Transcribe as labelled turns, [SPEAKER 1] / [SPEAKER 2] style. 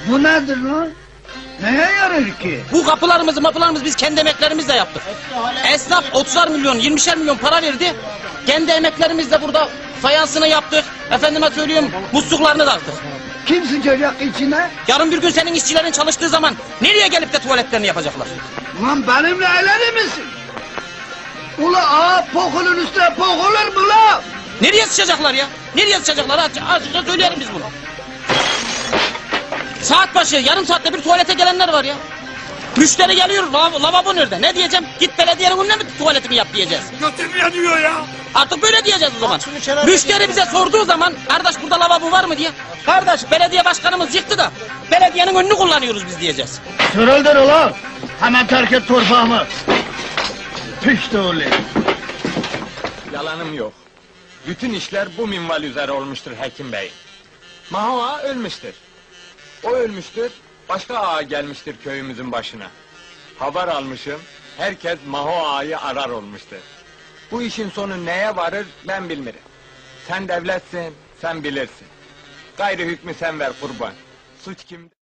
[SPEAKER 1] Bu nedir lan? Neye yarar ki?
[SPEAKER 2] Bu mapılarımızı biz kendi emeklerimizle yaptık. Esnaf 30'ar milyon, 20'şer milyon para verdi. Kendi emeklerimizle burada fayansını yaptık. Efendime söylüyorum, musluklarını taktık.
[SPEAKER 1] Kim sıçacak içine?
[SPEAKER 2] Yarın bir gün senin işçilerin çalıştığı zaman nereye gelip de tuvaletlerini yapacaklar?
[SPEAKER 1] Ulan benimle eğlenir misin? Ula pokulun üstüne pokulur mu la?
[SPEAKER 2] Nereye sıçacaklar ya? Nereye sıçacaklar? Açıkça söyleyelim biz bunu. Saat başı, yarım saatte bir tuvalete gelenler var ya. Müşteri geliyor, lavabo nerede? Ne diyeceğim? Git belediyenin önüne mi tuvaletini yap diyeceğiz.
[SPEAKER 3] Götüm yanıyor ya.
[SPEAKER 2] Artık böyle diyeceğiz o zaman. Müşteri bize sorduğu zaman, kardeş burada lavabo var mı diye. Kardeş belediye başkanımız yıktı da, belediyenin önünü kullanıyoruz biz diyeceğiz.
[SPEAKER 1] Sırıldır ulan! Hemen terk et torpağımı! Pişti oğlum!
[SPEAKER 3] Yalanım yok. Bütün işler bu minval üzere olmuştur Hekim Bey. Maho ağa ölmüştür. O ölmüştür, başka ağa gelmiştir köyümüzün başına. Haber almışım, herkes Maho ağayı arar olmuştur. Bu işin sonu neye varır ben bilmirim. Sen devletsin, sen bilirsin. Gayrı hükmü sen ver kurban. Suç kimde?